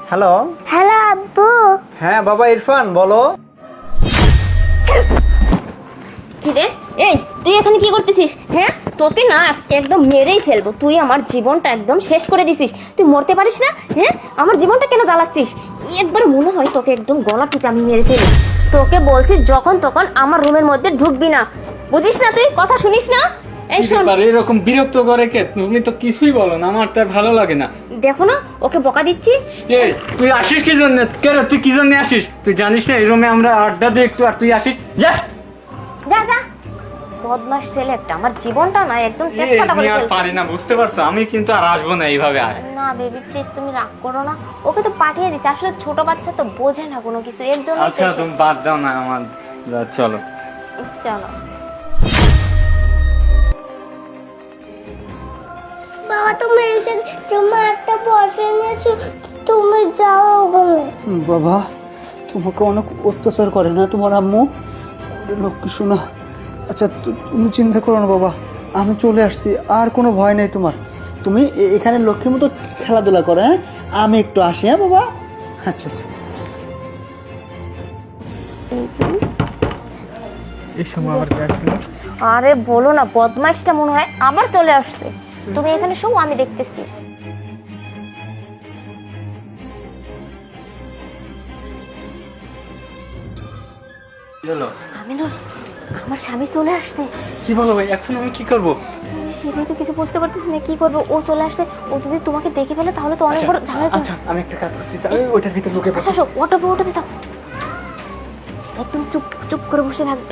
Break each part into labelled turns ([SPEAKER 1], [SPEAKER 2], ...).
[SPEAKER 1] Hello.
[SPEAKER 2] Hello আব্বু।
[SPEAKER 1] হ্যাঁ বাবা ইরফান বলো।
[SPEAKER 3] কি রে, এই তুই এখানে কি করতেছিস? হ্যাঁ, তোকে না আজকে একদম মেরেই ফেলবো। তুই আমার জীবনটা একদম শেষ করে দিছিস। তুই মরতে পারিস না? হ্যাঁ, আমার জীবনটা কেন জ্বালাচ্ছিস? একবার মনে হয় তোকে একদম গলা টিপে আমি মেরে ফেলি। তোকে বলছি যখন তখন আমার রুমের মধ্যে ঢুকবি না, বুঝিস না? তুই কথা শুনিস না? এই শোন,
[SPEAKER 4] এরকম বিরক্ত করে কে? তুমি তো কিছুই বলো না, আমার তো ভালো লাগে না।
[SPEAKER 3] দেখো না ওকে বকা দিচ্ছি।
[SPEAKER 4] এই তুই আসিস কি জন্য? কেন তুই কি জন্য আসিস? তুই জানিস না এই রুমে আমরা আড্ডা দিই একটু, আর তুই আসিস? যা
[SPEAKER 3] যা যা, বদমাস ছেলে একটা। আমার জীবনটা না একদম তেজপাতা করে
[SPEAKER 4] আমি আর
[SPEAKER 3] ফেলছে।
[SPEAKER 4] পারি না, বুঝতে পারছো? আমি কিন্তু আর আসবো না এইভাবে। আর
[SPEAKER 3] না বেবি প্লিজ, তুমি রাগ করো না। ওকে তো পাঠিয়ে দিছি, আসলে ছোট বাচ্চা তো বোঝে না কোনো কিছু, এর জন্য।
[SPEAKER 4] আচ্ছা তুমি বাদ দাও না আমার, চলো।
[SPEAKER 3] চলো।
[SPEAKER 2] বাবা তুমি এসে তোমার একটা বয়ফ্রেন্ড আছে, তুমি যাও ওখানে।
[SPEAKER 1] বাবা তোমাকে অনেক অত্যাচার করে না তোমার আম্মু? লক্ষ্মী শোনা। আচ্ছা তুমি চিন্তা করো না বাবা, আমি চলে আসছি, আর কোনো ভয় নেই তোমার। তুমি এখানে লক্ষ্মীর মতো খেলাধুলা করো, হ্যাঁ? আমি একটু আসি, হ্যাঁ বাবা? আচ্ছা আচ্ছা।
[SPEAKER 4] এই সময় আবার
[SPEAKER 3] আরে বলো না, বদমাইশটা মনে হয় আবার চলে আসছে। তুমি এখানে শো, আমি দেখতেছি। আমিনুল, আমার স্বামী চলে আসছে।
[SPEAKER 4] কি বলো ভাই, এখন আমি কি করবো?
[SPEAKER 3] সেটাই তো কিছু বুঝতে পারতেছি না কি করবো। ও চলে আসছে, ও যদি তোমাকে দেখে ফেলে তাহলে তো অনেক বড় ঝামেলা।
[SPEAKER 4] আচ্ছা আমি একটা কাজ করতেছি, ওইটার ভিতরে ঢুকে
[SPEAKER 3] আচ্ছা শো, ওটা যাও, একদম চুপ চুপ করে বসে থাকবে।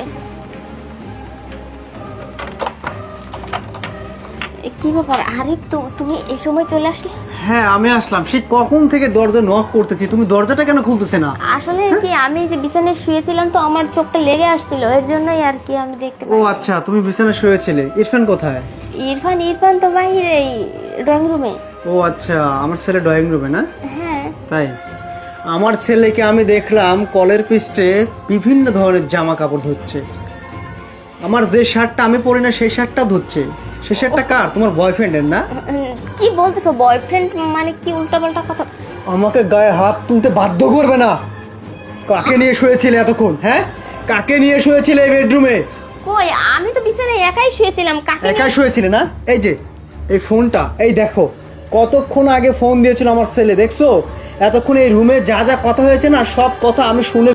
[SPEAKER 3] কি ব্যাপার আরিফ, তুমি এই সময় চলে আসলে?
[SPEAKER 1] হ্যাঁ আমি আসলাম, সে কখন থেকে দরজা নক করতেছি, তুমি দরজাটা কেন খুলতেছে না?
[SPEAKER 3] আসলে কি, আমি যে বিছানায় শুয়েছিলাম তো আমার চোখটা লেগে আসছিল, এর জন্যই আর কি আমি দেখতে
[SPEAKER 1] ও
[SPEAKER 3] পাই।
[SPEAKER 1] আচ্ছা, তুমি বিছানায় শুয়েছিলে। ইরফান কোথায়?
[SPEAKER 3] ইরফান তো বাইরে ড্রয়িং রুমে।
[SPEAKER 1] ও আচ্ছা, আমার ছেলে ড্রয়িং রুমে না?
[SPEAKER 3] হ্যাঁ।
[SPEAKER 1] তাই আমার ছেলেকে আমি দেখলাম কলের পিস্টে বিভিন্ন ধরনের জামা কাপড় ধুচ্ছে। আমার যে শার্টটা আমি পরি না সেই শার্টটা ধুচ্ছে। সেই শার্টটা কার? তোমার বয়ফ্রেন্ডের না?
[SPEAKER 3] কি বলতেছো? বয়ফ্রেন্ড মানে কি উল্টাপাল্টা কথা?
[SPEAKER 1] আমাকে গায়ে হাত তুলতে বাধ্য করবে না। কাকে নিয়ে শুয়েছিলে এতক্ষণ? হ্যাঁ, কাকে নিয়ে শুয়েছিলে এই বেডরুমে?
[SPEAKER 3] কই, আমি তো বিছানায় একাই শুয়েছিলাম। কাকে
[SPEAKER 1] একা শুয়েছিলে না? এই যে এই ফোনটা, এই দেখো কতক্ষণ আগে ফোন দিয়েছিল আমার ছেলে, দেখছো? এতক্ষণ এই রুমে যা যা কথা হয়েছে না, সব কথা আমি শুনে